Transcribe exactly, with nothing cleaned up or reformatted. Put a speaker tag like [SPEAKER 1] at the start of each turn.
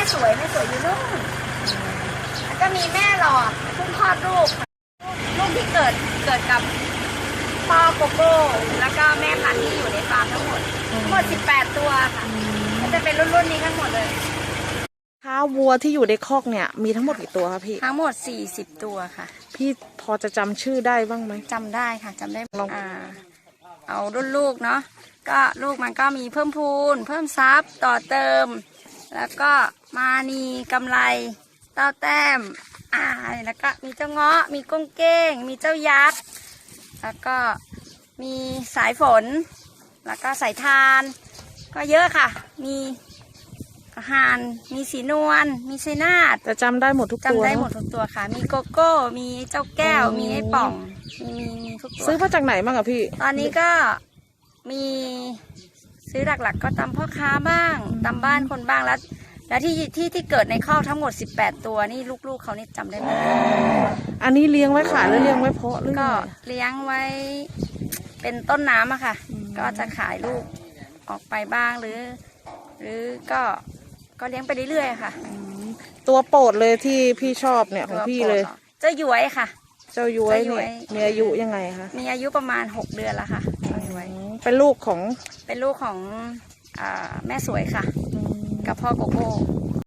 [SPEAKER 1] สวยแม่สวยอยู่นู่นแล้วก็มีแม่หลอดเพิ่งคลอดลูกลูกที่เกิดเกิดกับพ่อโกโก้แล้วก็แม่พันธุ์ที่อยู่ในฟาร์มทั้งหมดทั้งหมดสิบแปดตัวค่ะก็จะเป็นรุ่นๆนี้ทั้งหมดเลย
[SPEAKER 2] ค้าวัวที่อยู่ในคอกเนี่ยมีทั้งหมดกี่ตัวคะพี่
[SPEAKER 1] ทั้งหมดสี่สิบตัวค่ะ
[SPEAKER 2] พี่พอจะจำชื่อได้บ้างไหม
[SPEAKER 1] จำได้ค่ะจำได้อ่าเอารุ่นลูกเนาะก็ลูกมันก็มีเพิ่มพูนเพิ่มซับต่อเติมแล้วก็มานีกำไรเต้าแต้มอ่าแล้วก็มีเจ้าเงาะมีก้งเก้งมีเจ้ายักษ์แล้วก็มีสายฝนแล้วก็สายทานก็เยอะค่ะมีอาหารมีสีนวลมีไซนาด
[SPEAKER 2] แต่จำได้หมดทุกตัว
[SPEAKER 1] จำได้หมดทุกตัวค่ะมีโกโก้มีเจ้าแก้วมีไอ้ป่องมีมีมีทุกตัว
[SPEAKER 2] ซื้อมาจากไหนบ้างอะพี่
[SPEAKER 1] ตอนนี้ก็มีซื้อหลักๆก็ตามพ่อค้าบ้างตามบ้านคนบ้างแล้วแล้วที่ที่ที่เกิดในคอกทั้งหมดสิบแปดตัวนี่ลูกๆเขานี่จำได้ไหม
[SPEAKER 2] อันนี้เลี้ยงไว้ขายหรือเลี้ยงไว้เพาะหรือ
[SPEAKER 1] ก็เลี้ยงไว้เป็นต้นน้ำอะค่ะก็จะขายลูกออกไปบ้างหรือหรือก็ก็เลี้ยงไปเรื่อยๆค่ะ
[SPEAKER 2] ตัวโปรดเลยที่พี่ชอบเนี่ยของพี่เลย
[SPEAKER 1] เจ้าย้วยค่ะ
[SPEAKER 2] เจ้าย้วยเนี่ยมีอายุยังไงคะ
[SPEAKER 1] มีอายุประมาณหกเดือนแล้วค่ะเจ้าย้วย
[SPEAKER 2] เป็นลูกของ
[SPEAKER 1] เป็นลูกของอ่าแม่สวยค่ะกับพ่อโกโก้